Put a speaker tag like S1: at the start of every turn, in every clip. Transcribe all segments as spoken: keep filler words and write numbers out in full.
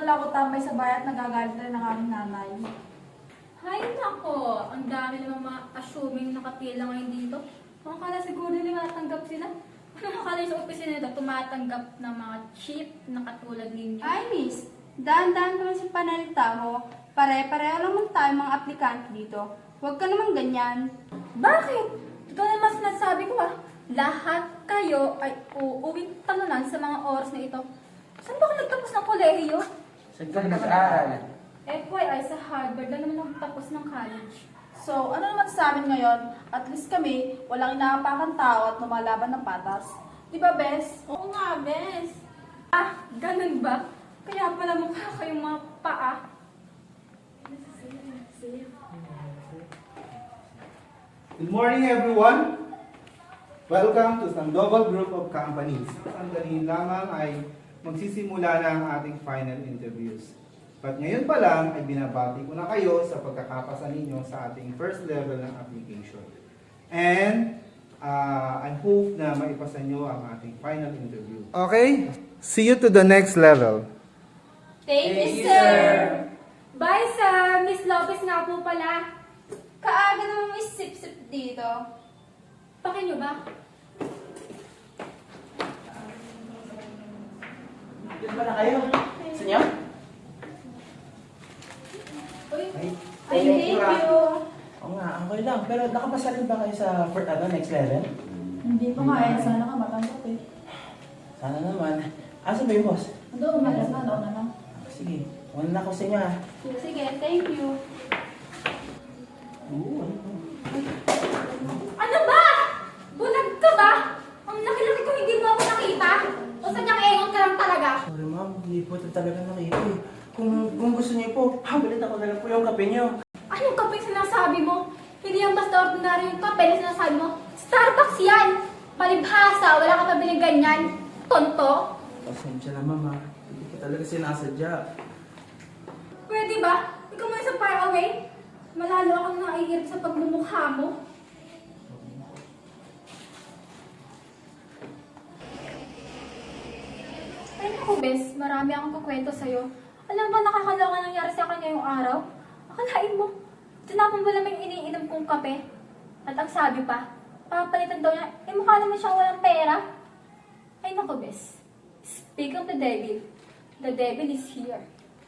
S1: wala ako tambay sa bahay at nagagalit na rin ang aming nanay.
S2: Hay nako, ang dami namang mga assuming nakapila ngayon dito. Kung akala siguro nila matanggap sila. Ano akala sa opisina nito, tumatanggap ng mga cheap na katulad ninyo?
S3: Ay, miss. Daan-daan naman sa panalita mo. Pare-pareho lang man tayo mga aplikante dito. Huwag ka naman ganyan.
S2: Bakit? Ito naman sinasabi ko ah. Lahat kayo ay uuwing talunan sa mga oras na ito. Saan ba ako nagtapos ng kolehiyo?
S4: Saan ka nag-aaral?
S2: F Y I sa Harvard lang naman ako tapos ng college.
S1: So, ano naman sa amin ngayon? At least kami, walang inaapakan tao at lumalaban ng patas. Di ba, Bes?
S2: Oo nga, bes. Ah, ganun ba? Kaya pala mukha kayong mga paa.
S5: Good morning, everyone. Welcome to Sandoval Group of Companies. Sandali lamang ay magsisimula na ang ating final interviews. But ngayon pa lang ay binabati ko na kayo sa pagkakapasa ninyo sa ating first level ng application. And uh, I hope na maipasa nyo ang ating final interview. Okay, see you to the next level.
S2: Thank you, sir. Bye, sir. Miss Lopez nga po pala.
S3: Kaaga naman may sip-sip dito.
S2: Pakin nyo ba?
S4: Dito ba na kayo? Sa inyo?
S2: Uy,
S4: Ay,
S3: Ay, thank you.
S4: Oo nga, okay lang. Pero nakapasa rin ba kayo sa first, ano, next level?
S1: Hindi pa nga eh. Sana ka matanggap eh.
S4: Sana naman. Asa ba yung boss?
S1: Doon, umalas na. Doon na lang.
S4: Ah, sige, una na ako sa inyo ah.
S3: Sige, thank you.
S4: Oo, ano po?
S2: ano ba? Bulag ka ba? Ang laki-laki ko hindi mo ako nakita. O sadyang engon ka lang talaga.
S4: Sorry ma'am, hindi po ito talaga nakita eh. Kung, kung gusto niyo po, habalit ako na lang po yung kape niyo.
S2: Anong kape sinasabi mo? Hindi yan basta ordinary yung kape na sinasabi mo. Starbucks yan! Palibhasa, wala ka pabiling ganyan. Tonto.
S4: Pasensya na ma'am ha. Hindi ko talaga sinasadya.
S2: Pwede ba? Ikaw mo sa far away? Malalo akong naiirip sa pagmumukha mo. Ay naku, Bes, marami akong kukwento sa'yo. Alam ba nakakaloka nangyari sa akin ngayong araw? Akalain mo, tinapon mo lang yung iniinom kong kape. At ang sabi pa, papalitan daw niya, eh mukha naman siyang walang pera. Ay naku, Bes. Speak of the devil. The devil is here.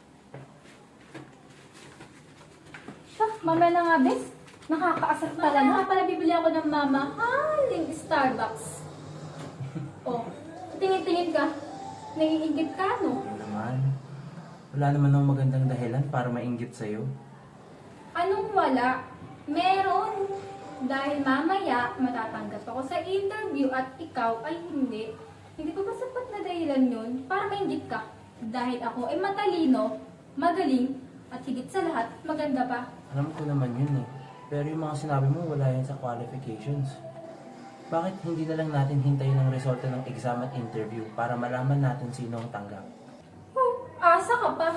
S2: Siya, mamaya na nga, Bes. Nakakaasar pala. Nga pala bibili ako ng mama. Haling Starbucks. Oh, tingin-tingin ka. Naiingit ka, no?
S4: Ano naman? Wala naman akong magandang dahilan para mainggit sa'yo.
S2: Anong wala? Meron. Dahil mamaya matatanggap ako sa interview at ikaw ay hindi. Hindi pa ba sapat na dahilan yun para mainggit ka? Dahil ako ay matalino, magaling, at higit sa lahat, maganda pa.
S4: Alam ko naman yun eh. Pero yung mga sinabi mo, wala yan sa qualifications. Bakit hindi na lang natin hintayin ang resulta ng exam at interview para malaman natin sino ang tanggap?
S2: Oh, asa ka pa.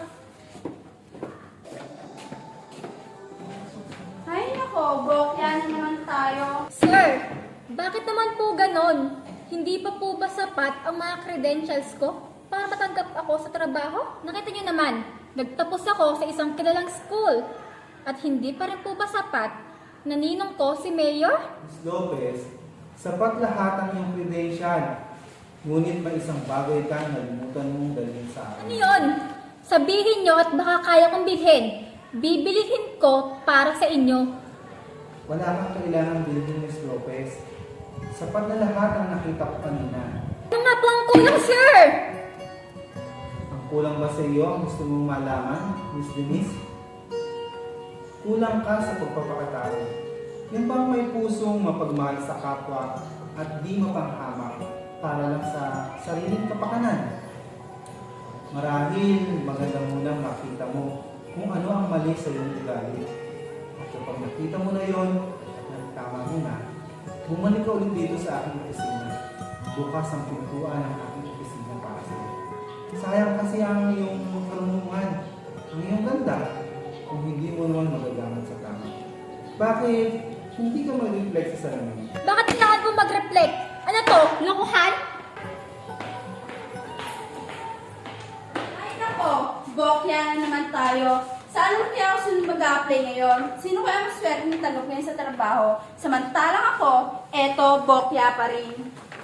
S3: Ay, nako, bokya na naman tayo.
S2: Sir, bakit naman po ganon? Hindi pa po ba sapat ang mga credentials ko para matanggap ako sa trabaho? Nakita niyo naman, nagtapos ako sa isang kilalang school. At hindi pa rin po ba sapat na ninong ko si Mayor?
S5: Miz Lopez, sapat lahat ang iyong credential. Ngunit may isang bagay ka na nalimutan mong dalhin sa akin.
S2: Ano yun? Sabihin nyo at baka kaya kong bilhin. Bibilihin ko para sa inyo.
S5: Wala kang kailangang bilhin, Miz Lopez. Sapat na lahat ang nakita ko kanina.
S2: Ano nga po ang kulang, sir?
S5: Ang kulang ba sa iyo ang gusto mong malaman, Miss Denise? Kulang ka sa pagpapakatao. Yung bang may pusong mapagmahal sa kapwa at di mapanghamak para lang sa sariling kapakanan. Marahil maganda munang makita mo kung ano ang mali sa iyong ugali. At kapag nakita mo na yon, tama mo na, bumalik ka ulit dito sa aking opisina. Bukas ang pintuan ng aking opisina para sa iyo. Sayang kasi ang iyong karunungan, ang iyong ganda, kung hindi mo naman magagamit sa tama. Bakit hindi ka mag-reflect sa salamin?
S2: Bakit kailangan mo mag-reflect? Ano to? Lokohan?
S3: Ay, nako, Bokya na naman tayo. Saan mo kaya ako sunod mag-a-apply ngayon? Sino kaya maswerte ng tanong ngayon sa trabaho? Samantalang ako, eto, bokya pa rin.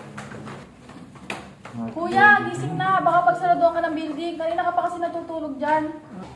S1: Kuya, gising na. Baka pagsaraduhan ka ng building. Kanina ka pa kasi natutulog dyan.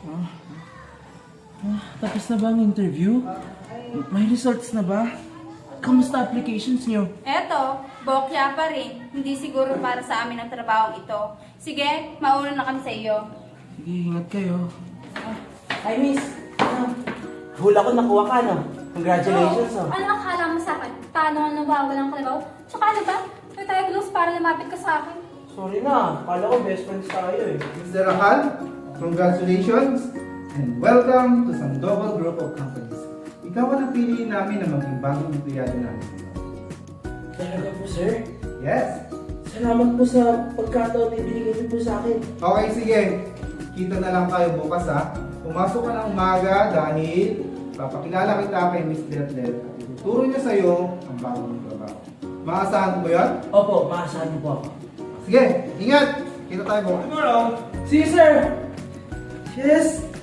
S4: Ah, tapos na ba ang interview? May results na ba? Kamusta applications niyo?
S3: Eto, bokya pa rin. Hindi siguro para sa amin ang trabahong ito. Sige, mauna na kami sa iyo.
S4: Sige, ingat kayo. Hi, miss. Ah, hula ko nakuha ka, no? Congratulations, oh.
S2: Ano akala mo sa akin? Paano nga nawawalan ka na ba? Tsaka ano ba? May tayo gloves para lumapit ka sa akin.
S4: Sorry na. Kala ko best friends tayo, eh.
S5: Mister Rahal, congratulations and welcome to Sandoval Group of Companies. Ikaw ang napili namin na maging bagong empleyado namin.
S4: Talaga po, sir.
S5: Yes?
S4: Salamat po sa pagkataon na ibinigay niyo po sa akin.
S5: Okay, sige. Kita na lang tayo bukas ha. Pumasok ka ng umaga dahil papakilala kita kay Miss Letlet at ituturo niya sa'yo ang bagong trabaho. Maasahan mo ba yun?
S4: Opo, maasahan niyo po ako.
S5: Sige, ingat! Kita tayo bukas.
S4: See you, sir! Yes!